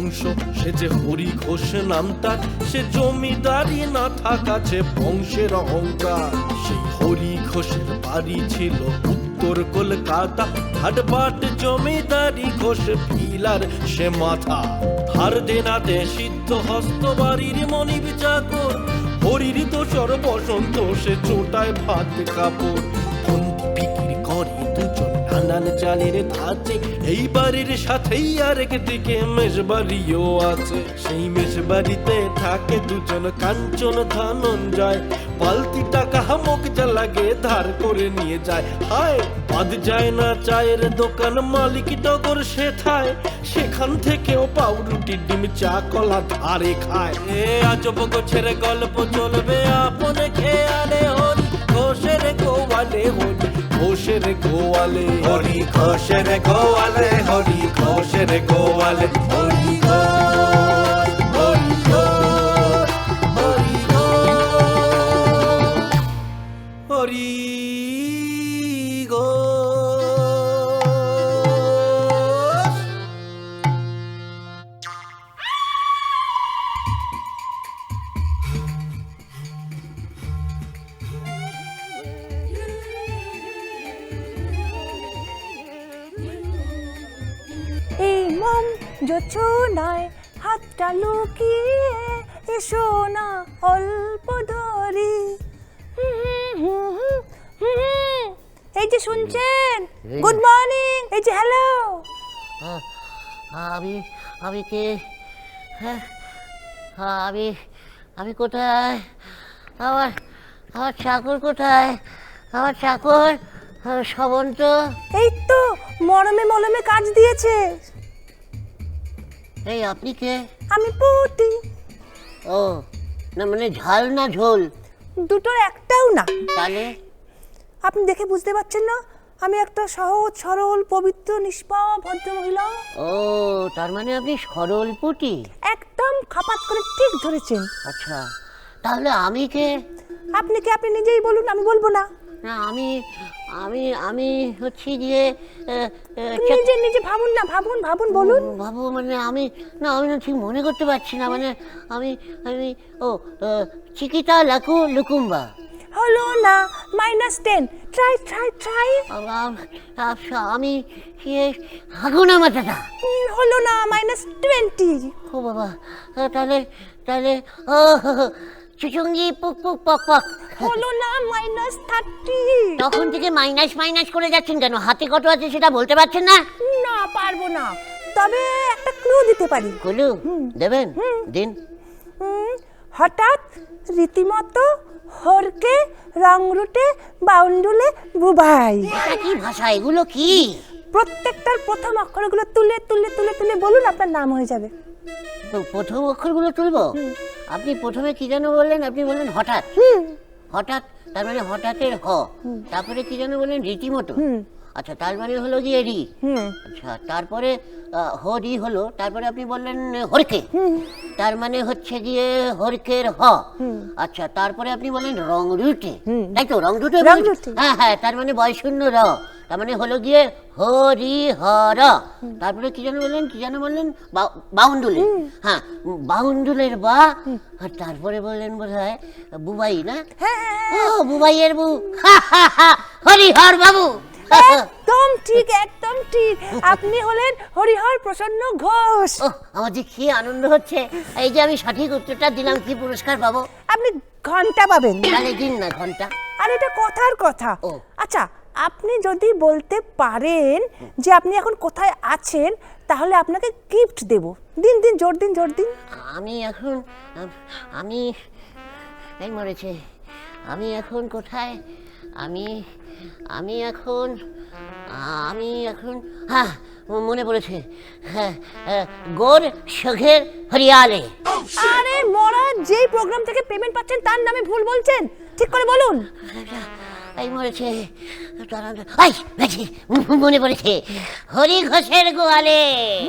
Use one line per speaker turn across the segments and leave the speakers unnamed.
বংশ, সে যে হরি ঘোষ নাম তার, সে জমিদারি না থাকাছে বংশের অহংকার। সেই হরি ঘোষের বাড়ি ছিল উত্তর কলকাতা, হাটবাট জমিদারি ঘোষ ফিলার সে মাথা। ধার দেনাতে সিদ্ধ হস্ত বাড়ির মনিব চাকর, হরির দোসর বসন্ত সে চোটায় ভাত কাপড়। বিক্রি করে দুজন নানান চালের ধাঁচে, এই বাড়ির সাথেই আরেকদিকে মেষবাড়িও আছে। সেই মেষবাড়িতে থাকে দুজন কাঞ্চন ধনঞ্জয়, পালতি টাকা হামক যা লাগে ধার করে নিয়ে যায়। হায় বাদ যায় না চায়ের দোকান, মালিক টগর সেথায়, সেখান থেকেও পাউরুটি ডিম চা কলা ধারে খায়। এ আজব গোছের গল্প চলবে আপনে খেয়ালে, হরি ঘোষের গোয়ালে, হরি ঘোষের গোয়ালে, হরি ঘোষের গোয়ালে, হরি ঘোষের গোয়ালে, হরি ঘোষ, হরি ঘোষ, হরি ঘোষ, হরি ঘোষ।
এই মম যোচনায় হাতটা লুকিয়ে এসো না অল্প ধরি। এই যে শুনছেন, গুড মর্নিং, এই যে হ্যালো।
আমি আমি কে? হ্যাঁ, আমি আমি কোথায়? আমার আমার চাকর কোথায়? আমার চাকর শ্রবন্ত।
এই তো মরমে মলমে কাজ দিয়েছে।
এই আপনি কে?
আমি পুটি।
ও না, মানে ঝাল না ঝোল?
দুটোর একটাও না।
তাহলে
আপনি দেখে বুঝতে পারছেন না আমি একটা সহজ সরল পবিত্র নিষ্পাপ ভদ্র মহিলা?
ও তার মানে আপনি সরল পুটি।
একদম খাপাত করে ঠিক ধরেছেন।
আচ্ছা, তাহলে আমি কে?
আপনি কি আপনি নিজেই বলুন, আমি বলবো না।
না, আমি আমি আমি হচ্ছি গিয়ে
নিজে নিজে ভাবুন না, ভাবুন ভাবুন, বলুন।
বাবু, মানে আমি না ঠিক মনে করতে পারছি না। মানে আমি আমি ও চিকিতা লাকু লুকুম্বা।
হলো না, -10। Try try try.
আমি হাগুনা মাথাটা।
হলো না, -20।
ও বাবা, তাহলে তাহলে ও চুচুঙ্গি পুক পুক পক পক।
হলো না, -30।
তখন থেকে মাইনাস মাইনাস করে যাচ্ছেন কেন? হাতে কত আছে সেটা বলতে পারছেন না?
না, পারবো না, তবে একটা ক্লু দিতে পারি।
কুলু দেবেন? দিন।
হঠাৎ রীতিমতো হরকে রংরুটে বাউন্ডুলে বুবাই।
এটা কি ভাষা? এগুলো কি?
প্রত্যেকটার প্রথম অক্ষরগুলো তুলে তুলে তুলে তুলে বলুন, আপনার নাম হয়ে যাবে।
তো প্রথম অক্ষরগুলো তুলবো? আপনি প্রথমে কি যেন বললেন? আপনি বললেন হঠাৎ। হঠাৎ তার মানে হঠাৎের হ। তারপরে কি যেন বললেন? রীতিমতো। আচ্ছা, তার মানে হলো গিয়ে রি। আচ্ছা, তারপরে হরি হলো, তারপরে আপনি বললেন হরকে, তার মানে হচ্ছে গিয়ে হরকের হ। আচ্ছা, তারপরে আপনি বললেন রং রুটে, তাই তো? রং রুটে। হ্যাঁ হ্যাঁ, তার মানে বয়শূন্য র, তার মানে হলো গিয়ে হরি হর। তারপরে কি যেন বললেন? কি যেন বললেন? বাউন্ডুলে। হ্যাঁ, বাউন্ডুলের বা। আর তারপরে বললেন বোধহয় বুবাই, না? ও বুবাইয়ের বু। হরিহর বাবু।
একদম ঠিক, একদম ঠিক। আপনি হলেন হরিহর প্রসন্ন ঘোষ।
আমার যে কি আনন্দ হচ্ছে! এই যে আমি সঠিক উত্তরটা দিলাম, কি পুরস্কার পাবো?
আপনি ঘন্টা পাবেন।
তাহলে দিন না ঘন্টা।
আর এটা কথার কথা। আচ্ছা, আপনি যদি বলতে পারেন যে আপনি এখন কোথায় আছেন, তাহলে আপনাকে গিফট দেব। দিন দিন, জোর দিন, জোর দিন।
আমি এখন আমি এই মরেছে। আমি এখন কোথায়? আমি আমি এখন আমি এখন হ্যাঁ, মনে পড়েছে। হ্যাঁ, গোর সঘের হরিয়ালে।
আরে মরা, যেই প্রোগ্রাম থেকে পেমেন্ট পাচ্ছেন তার নামে ভুল বলছেন। ঠিক করে বলুন।
এই মরেছে। মনে পড়েছে, হরি ঘোষের গোয়ালে।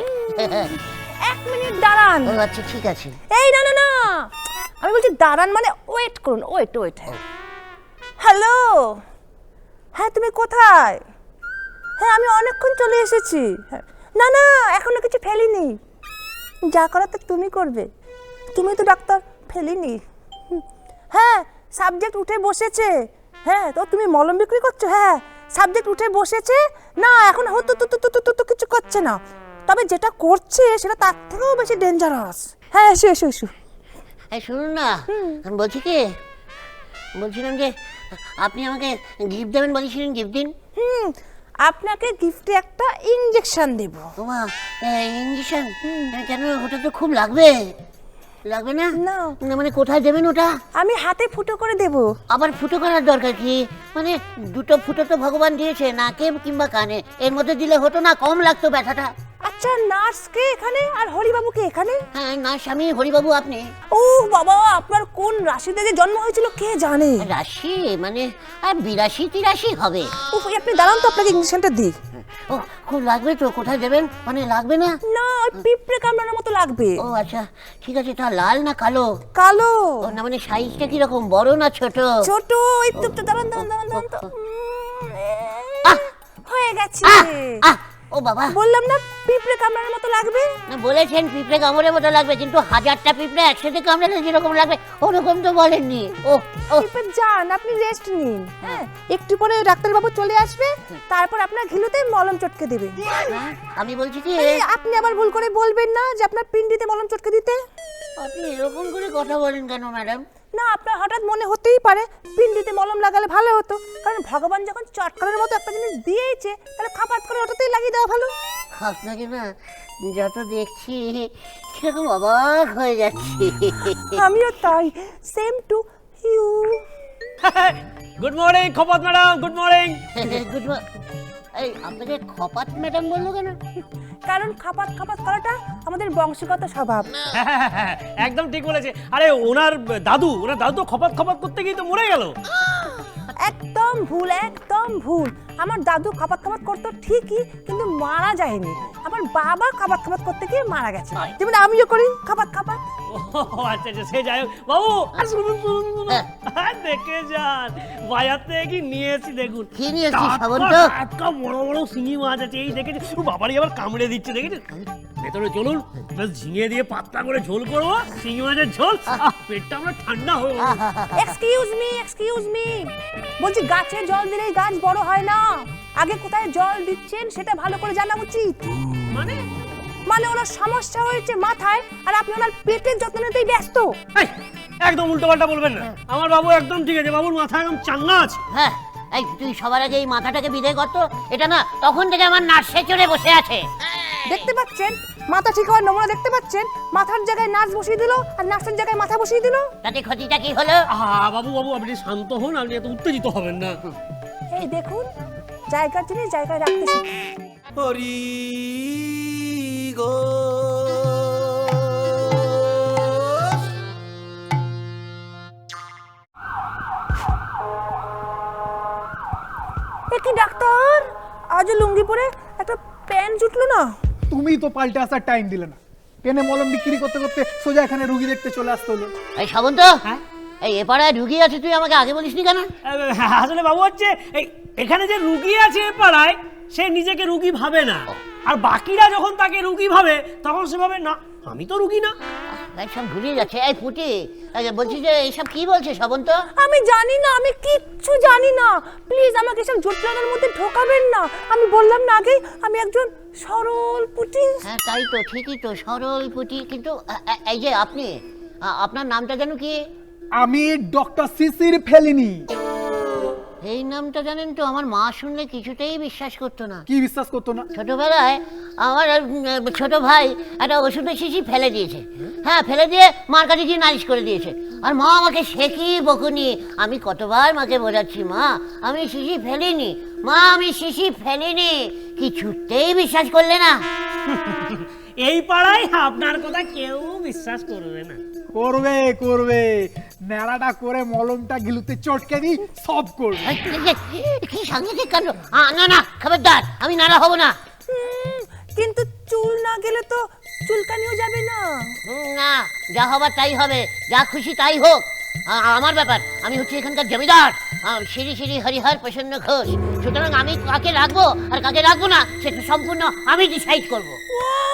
1 মিনিট দাঁড়ান।
আচ্ছা, ঠিক আছে।
এই না না না, আমি বলছি দাঁড়ান মানে ওয়েট করুন। Wait wait. হ্যালো, হ্যাঁ তুমি কোথায়? হ্যাঁ, আমি অনেকক্ষণ চলে এসেছি। না না, এখনো কিছু ফেলিনি। যা করাতে তুমি করবে, তুমি তো ডাক্তার ফেলিনি। হ্যাঁ, সাবজেক্ট উঠে বসেছে। হ্যাঁ, তো তুমি মলম বিক্রি করছো? হ্যাঁ, সাবজেক্ট উঠে বসেছে না, এখন হতো তো কিছু করছে না, তবে যেটা করছে সেটা তার থেকেও বেশি ডেঞ্জারাস। হ্যাঁ, এসো এসো এসো।
এই শুনুন না, আমি বলছি কি, বলছিলাম যে আপনি আমাকে গিফট দেবেন বলেছিলেন, গিফট দিন।
আপনাকে গিফটে একটা ইনজেকশন দেব।
তোমা ইঞ্জেকশন কেন? ওটা তো খুব লাগবে, লাগবে না?
না।
না মানে কোথায় দেবেন ওটা?
আমি হাতে ফুটো করে দেব।
আবার ফুটো করার দরকার কি? মানে দুটো ফুটো তো ভগবান দিয়েছে, নাকে কিংবা কানে, এর মধ্যে দিলে হতো না? কম লাগতো ব্যথাটা।
আচ্ছা, নার্সকে এখানে আর হরিবাবুকে এখানে?
হ্যাঁ, না স্বামী হরিবাবু আপনি।
ও বাবা, আপনার কোন রাশিতে যে জন্ম হয়েছিল কে জানে।
রাশি মানে আর 82-83 হবে।
উফ, আপনি দাঁড়ান তো, আপনাকে ইনজেকশনটা দিই।
ও খুব লাগবে তো, কোথায় দেবেন? মানে লাগবে না?
না, ওই পিঁপড়ে কামড়ানোর মতো লাগবে।
ও আচ্ছা ঠিক আছে, তা লাল না কালো?
কালো।
ও না মানে সাইজটা কিরকম, বড় না ছোট?
ছোট। এই তো দাঁড়ান তো। হয়ে গেছে।
আহ ও বাবা,
বললাম না পিঁপড়ে কামড়ানোর মতো লাগবে।
না বলেছেন পিঁপড়ে কামড়ের মতো লাগবে, কিন্তু 1000টা পিঁপড়ে একসাথে কামড়ালে যেরকম লাগবে ওরকম তো বলেননি। ও ও
পিঁপড়ে যান, আপনি রেস্ট নিন। হ্যাঁ, একটু পরে ডাক্তারবাবু চলে আসবে, তারপর আপনার ঘিলুতে মলম চটকে দেবে।
আমি বলছি কি,
এই, আপনি আবার ভুল করে বলবেন না যে আপনার পিন্ডিতে মলম চটকে দিতে।
আপনি এরকম করে কথা বলেন কেন ম্যাডাম?
না, আপনার হঠাৎ মনে হতেই পারে পিন্ডিতে মলম লাগালে ভালো হতো, কারণ ভগবান যখন চটকানোর মতো একটা জিনিস দিয়েছে, তাহলে খাপাত করে ওটাতেই লাগিয়ে দেওয়া ভালো।
আপনাকে না যত দেখছি কিরকম অবাক হয়ে যাচ্ছি।
আমিও তাই, same to you.
Good morning খপত ম্যাডাম, গুড মর্নিং।
গুড এই আপনাকে খপাত ম্যাডাম বললো কেন?
কারণ খাপাত করাটা আমাদের বংশগত স্বভাব।
একদম ঠিক বলেছে। আরে ওনার দাদু তো খপাত করতে গিয়ে তো মরে গেল।
একদম ভুল, একদম ভুল। আমার দাদু খাপাত করতো ঠিকই, কিন্তু মারা যায়নি। আমার বাবা খাপাত করতে গিয়ে মারা গেছে, যেমন আমিও করি খাপাত।
ও আচ্ছা আচ্ছা, সে যাই হোক। বাবু আর শুনুন দেখে যান, বাজার থেকে কি নিয়ে এসেছি দেখুন।
কি নিয়ে এসেছিস সাবন্ত?
টাটকা বড় বড় শিঙি মাছ আছে, এই দেখেছি। ও বাবারই আবার কামড়ে দিচ্ছে, দেখেছেন? ভেতরে চলুন, বেশ ঝিঙে দিয়ে পাতলা করে ঝোল করবো, শিঙি মাছের ঝোল। পেটটা আমরা ঠান্ডা হয়ে গেল।
এক্সকিউজ মি, বলছি গাছে জল দিলেই গাছ বড় হয় না। আগে কোথায় জল দিচ্ছেন সেটা ভালো করে জানা উচিত। মানে ওনার সমস্যা হয়েছে মাথায়, আর আপনি ওনার পেটের যত্ন নিতেই ব্যস্ত।
এই, একদম উল্টো পাল্টা বলবেন না। আমার বাবু একদম ঠিক আছে, বাবুর মাথা একদম চাঙ্গা আছে।
হ্যাঁ, এই তুই সবার আগে এই মাথাটাকে বিদায় করতো। এটা না তখন থেকে আমার নার্সে চড়ে বসে আছে।
দেখতে পাচ্ছেন মাথা ঠিক হওয়ার নমুনা দেখতে পাচ্ছেন? মাথার জায়গায় নার্স বসিয়ে দিল, আর নার্সের জায়গায় মাথা বসিয়ে দিল।
তাতে ক্ষতিটা কি হলো?
বাবু আপনি শান্ত হন, আপনি এত উত্তেজিত হবেন না।
এই দেখুন, জায়গার জিনিস জায়গায় রাখতে শিখুন।
হরি গো
কি ডাক্তার, আজ লুঙ্গি পরে একটা প্যান্ট জুটলো না?
তুমি তো পাল্টে আসার টাইম দিলে না, পেনে মলম বিক্রি করতে করতে সোজা এখানে রুগী দেখতে চলে আসতে হলো।
এই সাবন্ত, এই এপাড়ায় রুগী আছে, তুই আমাকে আগে বলিসনি কেন?
আসলে বাবু হচ্ছে এখানে যে রুগী আছে এ পাড়ায়, সে নিজেকে রুগী ভাবে না, আর বাকিরা যখন তাকে রুগী ভাবে তখন সে ভাবে না আমি তো রুগী না।
সব ভুলিয়ে যাচ্ছে। এই পুটি, বলছি যে এইসব কি বলছে সাবন্ত?
আমি জানি না, আমি কিচ্ছু জানি না। প্লিজ আমাকে সব জটিলতার মধ্যে ঢোকাবেন না। আমি বললাম না আগেই আমি একজন সরল পুটি।
হ্যাঁ তাই তো, ঠিকই তো, সরল পুটি। কিন্তু এই যে আপনি, আপনার নামটা যেন কি?
আমি ডক্টর শিশির ফেলিনি।
এই নামটা জানেন তো, আমার মা শুনলে কিছুতেই বিশ্বাস করতো না।
কি বিশ্বাস করতো না?
ছোটবেলায় আমার ছোট ভাই একটা ওষুধের শিশি ফেলে দিয়েছে। হ্যাঁ, ফেলে দিয়ে মার কাছে গিয়ে নালিশ করে দিয়েছে। আর মা আমাকে শেখি বকুনি। আমি কতবার মাকে বোঝাচ্ছি, মা আমি শিশি ফেলিনি, মা আমি শিশি ফেলিনি, কিছুতেই বিশ্বাস করলে না।
এই পাড়ায় আপনার কথা কেউ বিশ্বাস করবে না।
করবে নেড়াটা করে মলমটা গিলুতে চটকে দিই, সব করবে।
কি সাংঘাতিক কাণ্ড! না খবরদার, আমি নাড়া হব না।
কিন্তু চুল না গেলে তো চুলকানিও যাবে না।
না, যা হবার তাই হবে, যা খুশি তাই হোক, আমার ব্যাপার। আমি হচ্ছে এখানকার জমিদার, শ্রী শ্রী হরিহর প্রসন্ন ঘোষ। সুতরাং আমি কাকে রাখবো আর কাকে রাখবো না সেটা সম্পূর্ণ আমি ডিসাইড করবো।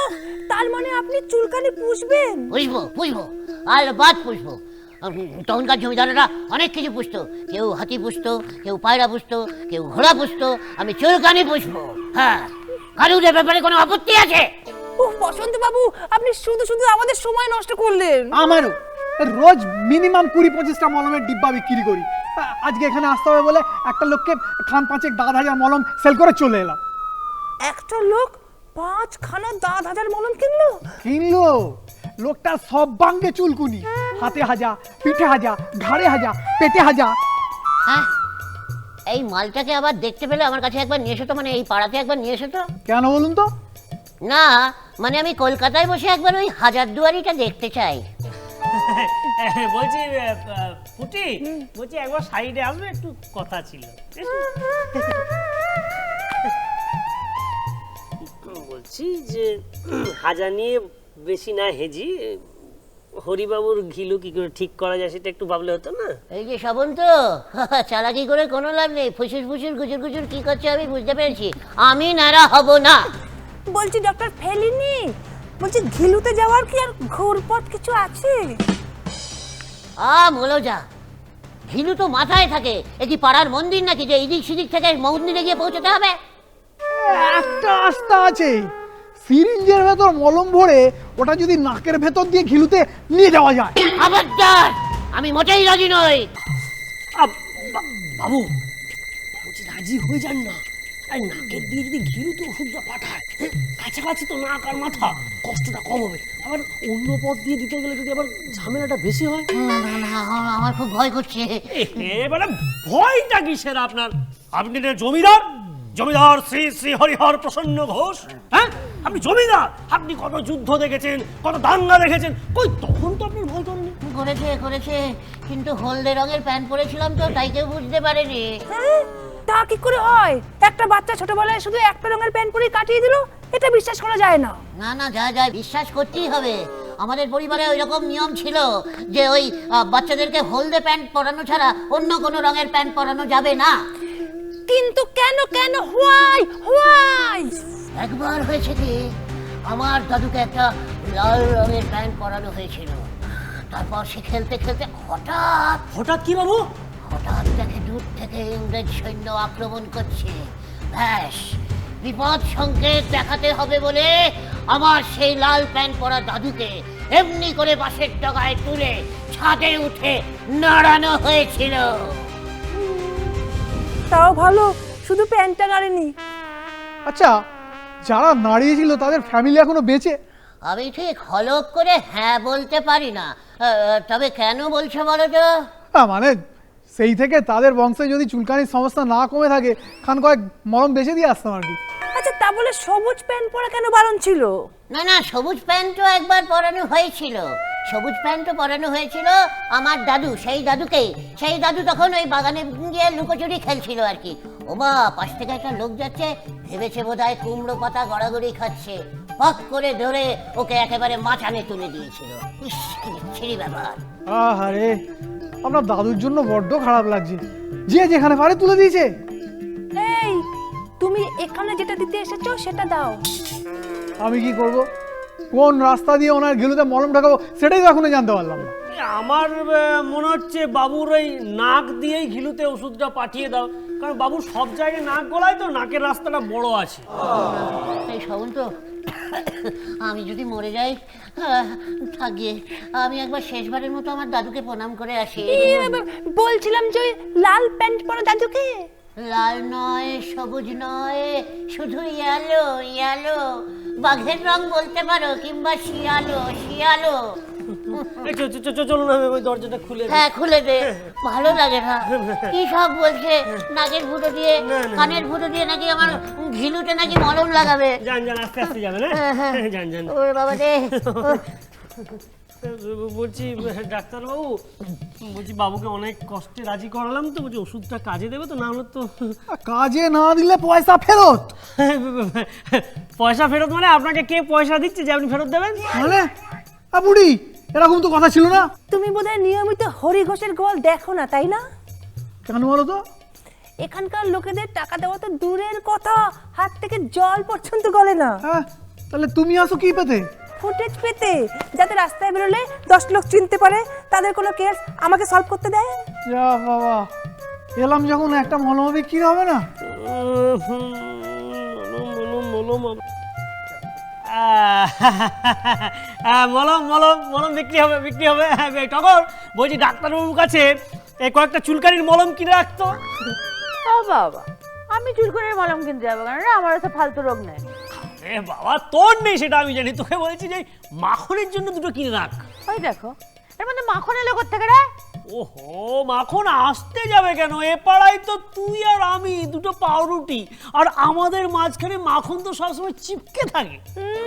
তার মানে আপনি চুলকানি পুষবেন?
পুষবো আর বাদ পুষবো। তখনকার জমিদারেরা অনেক কিছু পুষতো, কেউ হাতি পুষতো, কেউ পায়রা পুষতো, কেউ ঘোড়া পুষতো, আমি চুলকানি পুষবো। হ্যাঁ, কারুর এ ব্যাপারে কোনো আপত্তি আছে?
উহ, বসন্ত বাবু, আপনি শুধু শুধু আমাদের সময় নষ্ট করলেন।
আমারও রোজ মিনিমাম 20-25টা মলমের ডিব্বা বিক্রি করি। আজকে এখানে আসতে হবে বলে একটা লোককে খান 5 দাঁত হাজার মলম সেল করে চলে এলাম।
একটা লোক 5খানা দাঁত হাজার মলম কিনলো?
কিনলো? লোকটা সব বাঙ্গে চুলকুনি, হাতে হাজা, পিঠে হাজা, ঘাড়ে হাজা, পেটে হাজা।
হ্যাঁ, এই মালটাকে আবার দেখতে পেলে আমার কাছে একবার নিয়ে এসো তো, মানে এই পাড়াতে একবার নিয়ে এসো তো।
কেন বলুন তো?
না মানে আমি কলকাতায় বসে একবার ওই হাজারদুয়ারিটা দেখতে চাই।
বলছি পুটি, বলছি একবার সাইডে আসবে, একটু কথা ছিল। বলছি যে হাজা নিয়ে বেশি না হেজি, হরিবাবুর ঘিলু কি করে ঠিক করা যায় সেটা একটু ভাবলে হতো না?
এই যে শ্রাবণ তো চালাকি করে কোনো লাভ নেই, ফুসুর ফুসুর গুজুর গুজুর কি করছে আমি বুঝতে পেরেছি, আমি নারা হব না।
বলছি ডক্টর ফেলিনি, বলছি ঘিলুতে যাওয়ার কি আর ঘোরপথ কিছু আছে?
বলো যা, ঘিলু তো মাথায় থাকে, এ কি পাড়ার মন্দির নাকি যে এদিক সেদিক থেকে মন্দিরে গিয়ে পৌঁছতে হবে?
একটা রাস্তা আছে, সিরিঞ্জের ভেতর মলম ভরে ওটা যদি নাকের ভেতর দিয়ে ঘিলুতে নিয়ে যাওয়া যায়।
খবরদার, আমি মোটেই রাজি নই।
বাবু বলছি রাজি হয়ে যান না, আর নাকের দিয়ে যদি ঘিরুতে ওষুধটা পাঠায়, কাছাকাছি তো নাক আর মাথা, কষ্টটা কম হবে। আবার অন্য পথ দিয়ে দিতে গেলে যদি আবার ঝামেলাটা বেশি হয়।
না, আমার খুব ভয় করছে।
এবারে ভয়টা কিসের আপনার? আপনি না জমিদার, জমিদার শ্রী শ্রী হরিহর প্রসন্ন ঘোষ। হ্যাঁ, আপনি জমিদার, আপনি কত যুদ্ধ দেখেছেন, কত দাঙ্গা দেখেছেন, কই তখন তো আপনার ভয় করেননি।
করেছে, কিন্তু হলদে রঙের প্যান্ট পরেছিলাম তো তাই কেউ বুঝতে পারেনি।
হ্যাঁ, তা কি করে হয়? একটা বাচ্চা ছোটবেলায় শুধু একটা রঙের প্যান্ট পরে কাটিয়ে দিল, এটা বিশ্বাস করা যায় না।
না যা বিশ্বাস করতেই হবে। আমাদের পরিবারে ওই রকম নিয়ম ছিল যে ওই বাচ্চাদেরকে হলদে প্যান্ট পরানো ছাড়া অন্য কোনো রঙের প্যান্ট পরানো যাবে না।
কিন্তু কেন হোয়াই?
একবার হয়েছে কি, আমার দাদুকে একটা লাল রঙের প্যান্ট পরানো হয়েছিল। তারপর সে খেলতে খেলতে
হঠাৎ কি বাবু?
হঠাৎ দেখে দূর থেকে ইংরেজ সৈন্য আক্রমণ করছে। ব্যাস, বিপদ সংকেত দেখাতে হবে বলে আমার সেই লাল প্যান্ট পরা দাদুকে এমনি করে বাসের ডগায় তুলে ছাদে উঠে নাড়ানো হয়েছিল।
তাও ভালো, শুধু প্যান্টটা নাড়েনি।
আচ্ছা, যারা নাড়িয়েছিল তাদের ফ্যামিলি এখনো বেঁচে?
আমি ঠিক হলক করে হ্যাঁ বলতে পারি না, তবে কেন বলছো বলো তো?
মানে সেই থেকে তাদের বংশে যদি চুলকানির সমস্যা না কমে থাকে, খান কয়েক মলম বেঁচে দিয়ে আসতাম আর কি।
আচ্ছা, তা বলে সবুজ প্যান্ট পরা কেন বারণ ছিল?
না, সবুজ প্যান্টও একবার পরানো হয়েছিল। সবুজ প্যান্টও পরানো হয়েছিল আমার দাদু, সেই দাদু তখন ওই বাগানে গিয়ে লুকোচুরি খেলছিল আর কি। ওমা, পাশ থেকে একটা লোক যাচ্ছে, ভেবেছে বোধহয় কুমড়ো পাতা গড়াগড়ি খাচ্ছে, পক করে ধরে ওকে একেবারে মাচানে তুলে দিয়েছিল। ইস, কি বিচ্ছিরি ব্যাপার।
আহারে, আপনার দাদুর জন্য বড্ড খারাপ লাগছে, যে যেখানে পারে তুলে দিয়েছে।
এই, তুমি এখানে যেটা দিতে এসেছো সেটা দাও।
আমি কি করব? কোন রাস্তা দিয়ে ওনার ঘিলুতে মলম ঢাকাবো সেটাই তো এখনো জানতে পারলাম না।
আমার মনে হচ্ছে বাবুর ওই নাক দিয়েই ঘিলুতে ওষুধটা পাঠিয়ে দাও, কারণ বাবুর সব জায়গায় নাক গলায় তো, নাকের রাস্তাটা বড় আছে।
এই শোন তো, আমি যদি মরে যাই, থাকিয়ে আমি একবার শেষবারের মতো আমার দাদুকে প্রণাম করে আসি।
বলছিলাম যে ওই লাল প্যান্ট পরা দাদুকে।
লাল নয়, সবুজ নয়, শুধু ইয়ালো, বাঘের রং বলতে পারো, কিংবা শিয়ালো।
চলুন, আমি ওই দরজাটা খুলে দিই।
হ্যাঁ, খুলে দে, ভালো লাগে না। কি সব বলছে, নাকের ফুটো দিয়ে, কানের ফুটো দিয়ে নাকি আমার ঘিলুতে নাকি মলম লাগাবে।
যান আস্তে আস্তে যাবেন। হ্যাঁ, যান।
ওরে বাবা রে।
বলছি ডাক্তারবাবু, বলছি বাবুকে অনেক কষ্টে রাজি করালাম তো, বলছি ওষুধটা কাজে দেবে তো? না হলে তো।
কাজে না দিলে পয়সা ফেরত।
পয়সা ফেরত মানে? আপনাকে কে পয়সা দিচ্ছে যে আপনি ফেরত দেবেন?
মানে বুড়ি, এরকম তো কথা ছিল না।
তুমি বোধহয় নিয়মিত হরি ঘোষের গোল দেখো না, তাই না?
কেন বলো তো?
এখানকার লোকেদের টাকা দেওয়া তো দূরের কথা, হাত থেকে জল পর্যন্ত গলে না।
হ্যাঁ, তাহলে তুমি আসো কি পেতে?
ফুটেজ পেতে, যাতে রাস্তায় বেরোলে 10 লোক চিনতে পারে, তাদের কোনো কেস আমাকে সলভ করতে দেয়।
যা বাবা, এলাম যখন একটা মলম বিক্রি হবে না?
মলম মলম মলম বিক্রি হবে, বিক্রি হবে। টগর, বলছি ডাক্তারবাবুর কাছে এই কয়েকটা চুলকানির মলম কিনে রাখতো।
ও বাবা, আমি চুলকুনির মলম কিনতে যাবো কেন রে? আমার তো ফালতু রোগ নেই।
এ বাবা, তোর নেই সেটা আমি জানি, তোকে বলছি যে মাখনের জন্য দুটো কিনে রাখ।
ওই দেখো, এর মধ্যে মাখন এলো কোত্থেকে রে?
ওহো, মাখন আসতে যাবে কেন? এ পাড়ায় তো তুই আর আমি, দুটো পাউরুটি, আর আমাদের মাঝখানে মাখন তো সবসময় চিপকে থাকে।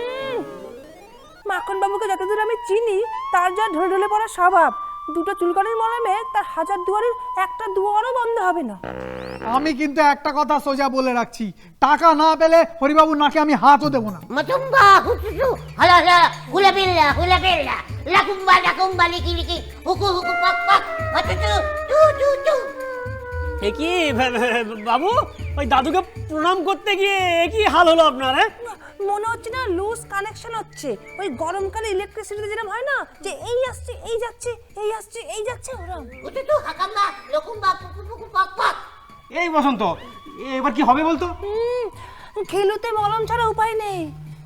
মাখন বাবুকে যতদূর আমি চিনি, তার যা ঢলে ঢলে পড়া স্বভাব, দুটো চুলকানির মলমে তার হাজার দুয়ারের একটা দুয়ারও বন্ধ হবে না।
আমি কিন্তু একটা কথা সোজা বলে রাখছি, টাকা না পেলে হরিবাবুর নাকে আমি হাতও দেবো না।
মতুম্বা হুচুচু হলা হলা হুলা বিল্লা লাকুম্বা লিকি লিকি হুকু হুকু পাক পাক হচুচু টু টু টু।
এ কি বাবু, ওই দাদুকে প্রণাম করতে গিয়ে এ কি হাল হলো আপনার?
মনে হচ্ছে না লুজ কানেকশন হচ্ছে, ওই গরমকালে ইলেকট্রিসিটিতে যেরকম হয় না, যে এই আসছে এই যাচ্ছে, এই আসছে এই যাচ্ছে, ওরকম।
হুচুচু হাকাম্বা লকুম্বা পুকু পুকু পাক পাক।
এই বসন্ত, এবার কি হবে বলতো?
খেলুতে মলম ছাড়া উপায় নেই।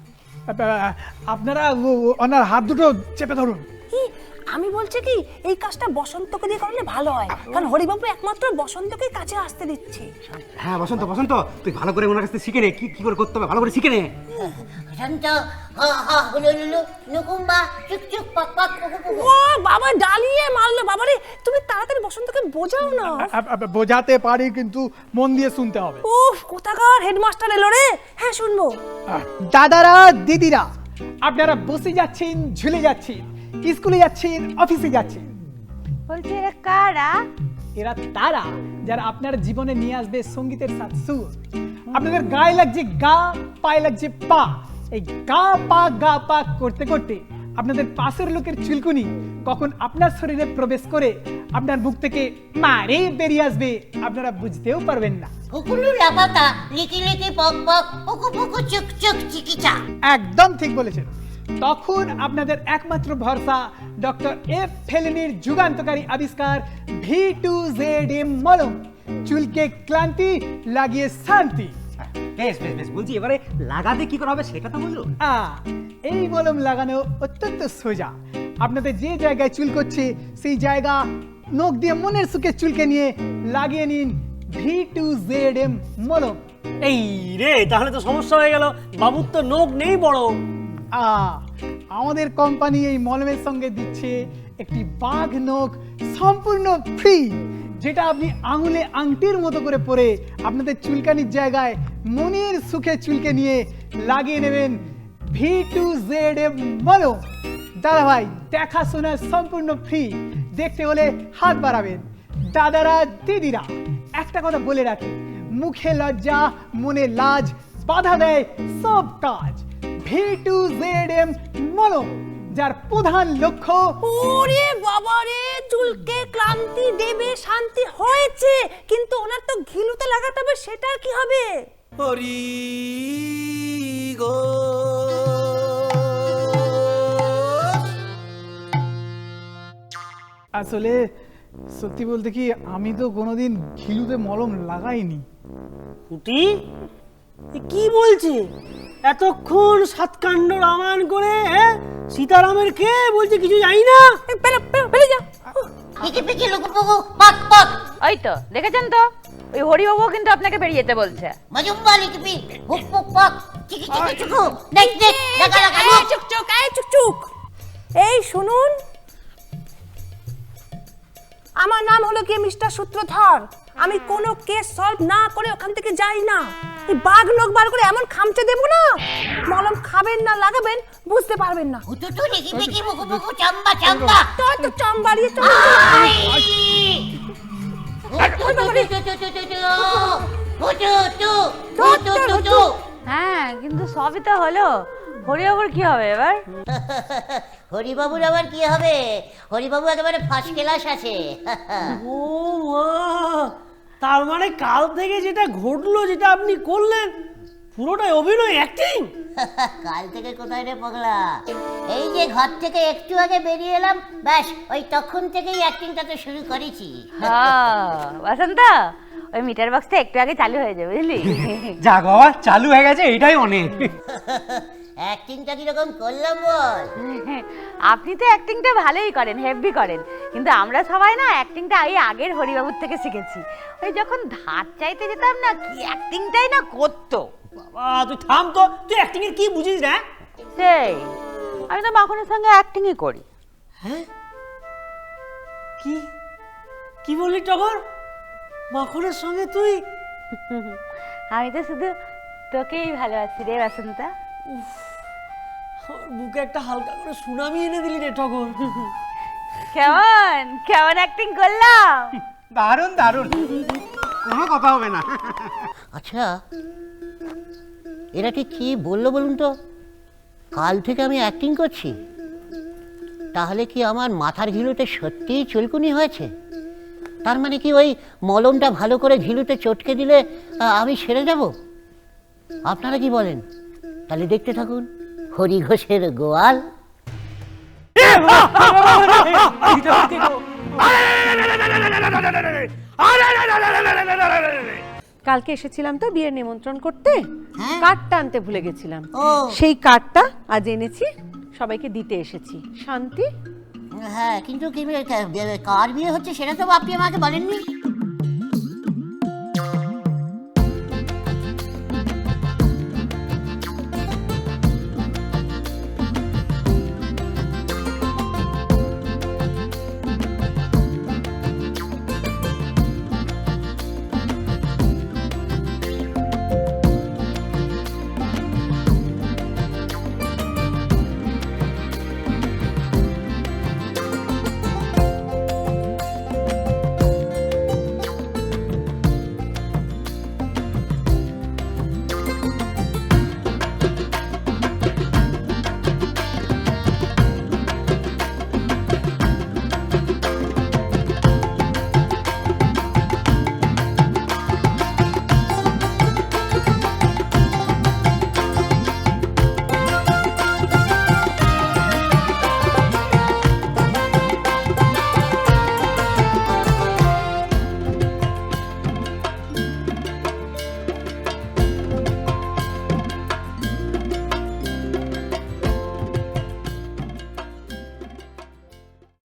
আপনারা ওনার হাত দুটো চেপে ধরুন।
কি আমি বলছি কি, এই কাজটা বসন্তকে দিয়ে করলে ভালো হয়, কারণ হরিবাবু একমাত্র বসন্তকে কাছে আসতে দিচ্ছে।
হ্যাঁ বসন্ত, বসন্ত তুই ভালো করে ওনার কাছ থেকে শিখে নে, কি কি করে করতে হবে ভালো করে শিখে নে।
শান্ত হা হা হুলু লুলু লকুম্বা চুক চুক পাক পাক পুকু পুকু।
ও বাবা, ডালিয়ে মারলো বাবারে, তুমি তাড়াতাড়ি বসন্তকে বোঝাও না।
বোঝাতে পারি, কিন্তু মন দিয়ে শুনতে হবে।
উফ, কোথাকার হেডমাস্টার এলো রে। হ্যাঁ, শুনবো।
দাদারা দিদিরা, আপনারা বসে যাচ্ছেন, ঝুলে যাচ্ছেন, স্কুলে যাচ্ছেন, অফিসে যাচ্ছেন,
বলছি এরা কারা?
এরা তারা যারা আপনার জীবনে নিয়ে আসবে সঙ্গীতের সাথ সুর। আপনাদের গায়ে লাগছে গা, পায়ে লাগছে পা। এই গা পা করতে করতে আপনাদের পাশের লোকের চুলকুনি কখন আপনার শরীরে প্রবেশ করে আপনার মুখ থেকে মারে বেরিয়ে আসবে, আপনারা বুঝতেও পারবেন না।
হুকুলু লাপাতা লিকি লিকি পক পক পুকু পুকু চুক চুক চিকিচা।
একদম ঠিক বলেছেন। তখন আপনাদের একমাত্র ভরসা ডক্টর এফ ফেলিনির যুগান্তকারী আবিষ্কার V2ZM মলম, চুলকে ক্লান্তি লাগিয়ে শান্তি।
বেশ বেশ বেশ, বলছি এবারে লাগাতে কি করা হবে সেটা তো বলো।
এই মলম লাগানো অত্যন্ত সোজা। আপনাদের যে জায়গায় চুল করছে সেই জায়গা নখ দিয়ে মনের সুখে চুলকে নিয়ে লাগিয়ে নিন V2ZM মলম।
এই রে, তাহলে তো সমস্যা হয়ে গেল, বাবুর তো নখ নেই বড়।
আমাদের কোম্পানি এই মলমের সঙ্গে দিচ্ছে একটি বাঘ নখ সম্পূর্ণ ফ্রি, যেটা আপনি আঙুলে আংটির মতো করে পরে আপনাদের চুলকানির জায়গায় মনের সুখে চুলকে নিয়ে লাগিয়ে নেবেন V2ZM মলম। দাদা ভাই, দেখাশোনা সম্পূর্ণ ফ্রি, দেখতে হলে হাত বাড়াবেন। দাদারা দিদিরা, একটা কথা বলে রাখি, মুখে লজ্জা মনে লাজ বাধা দেয় সব কাজ। V2ZM মলম, যার প্রধান লক্ষ্য
ওরে বাবা রে, চুলকে ক্লান্তি দেবে, শান্তি হয়েছে, কিন্তু ওনার তো ঘিলুতে লাগাতে হবে, সেটা কি হবে?
হরি গো
আসলে সত্যি বলতে কি, আমি তো কোনোদিন ঘিলুতে মলম লাগাইনি।
কুটি, এ কি বলছে? এতক্ষণ সাতকাণ্ড রামায়ণ করে সীতারামের কে বলছে কিছু জানি না।
পেলে যা।
লিকি পিকি লুকু পুকু পাক পাক।
ওই তো দেখেছেন তো, ওই হরিবাবু কিন্তু আপনাকে বেরিয়ে যেতে বলছে।
মজুম্বা লিকি পি হুক পুক পাক চিকি চিকি চুকু দেখ দেখ লাগা লাগা
এই
লুক।
চুক, এই চুক। এই শুনুন, আমার নাম হলো কি মিস্টার সূত্রধর। আমি কোনো কেস সলভ না করে ওখান থেকে যাই না। এই বাঘ নখ বার করে এমন খামচে দেবো না, মলম খাবেন না লাগাবেন বুঝতে পারবেন না।
হুতুতু লিকি পিকি মুকু মুকু চাম্বা চাম্বা।
তোর তো চম বাড়িয়ে চল।
হ্যাঁ, কিন্তু সবই তো হলো, হরিবাবুর কি হবে এবার?
হরিবাবুর আবার কি হবে? হরিবাবু একেবারে ফার্স্ট ক্লাস আছে।
ও মা, তার মানে কাল থেকে যেটা ঘটলো, যেটা আপনি করলেন, পুরোটাই অভিনয়, অ্যাক্টিং।
কাল থেকে কোথায় রে পগলা? এই যে ঘর থেকে একটু আগে বেরিয়ে এলাম, ব্যাস ওই তখন থেকেই অ্যাক্টিংটা তো শুরু করেছি।
বসন্ত, ওই মিটার বক্সটা একটু আগে চালু হয়ে যাবে, বুঝলি?
যাক বাবা, চালু হয়ে গেছে, এটাই অনেক।
অ্যাক্টিংটা কিরকম করলাম বল?
আপনি তো অ্যাক্টিংটা ভালোই করেন, হেভি করেন, কিন্তু আমরা সবাই না অ্যাক্টিংটা এই আগের হরিবাবুর থেকে শিখেছি। ওই যখন ধার চাইতে যেতাম না, কি অ্যাক্টিংটাই না করতো।
বাবা তুই থাম তো, তুই অ্যাক্টিং এর কি বুঝিস না?
সেই আমি তো মাখনের সঙ্গে অ্যাক্টিংই করি।
হ্যাঁ, কি কি বললি টগর? মাখনের সঙ্গে তুই?
আমি তো শুধু তোকেই ভালোবাসি রে বসন্তা।
আমার বুকে একটা হালকা করে সুনামি এনে দিলি রে টগর।
কেমন কেমন অ্যাক্টিং করলাম?
দারুণ দারুণ, কোনো কথা হবে না।
আচ্ছা, এরা ঠিক কি বললো বলুন তো? কাল থেকে আমি অ্যাক্টিং করছি, তাহলে কি আমার মাথার ঘিলুতে সত্যিই চুলকুনি হয়েছে? তার মানে কি ওই মলমটা ভালো করে ঘিলুতে চটকে দিলে আমি সেরে যাব? আপনারা কি বলেন? তাহলে দেখতে থাকুন হরি ঘোষের গোয়াল।
কালকে এসেছিলাম তো বিয়ের নিমন্ত্রণ করতে,
হ্যাঁ।
কার্ডটা আনতে ভুলে গেছিলাম।
ও।
সেই কার্ডটা আজ এনেছি, সবাইকে দিতে এসেছি। শান্তি?
হ্যাঁ, কিন্তু কার বিয়ে হচ্ছে সেটা তো আপনি আমাকে বলেননি।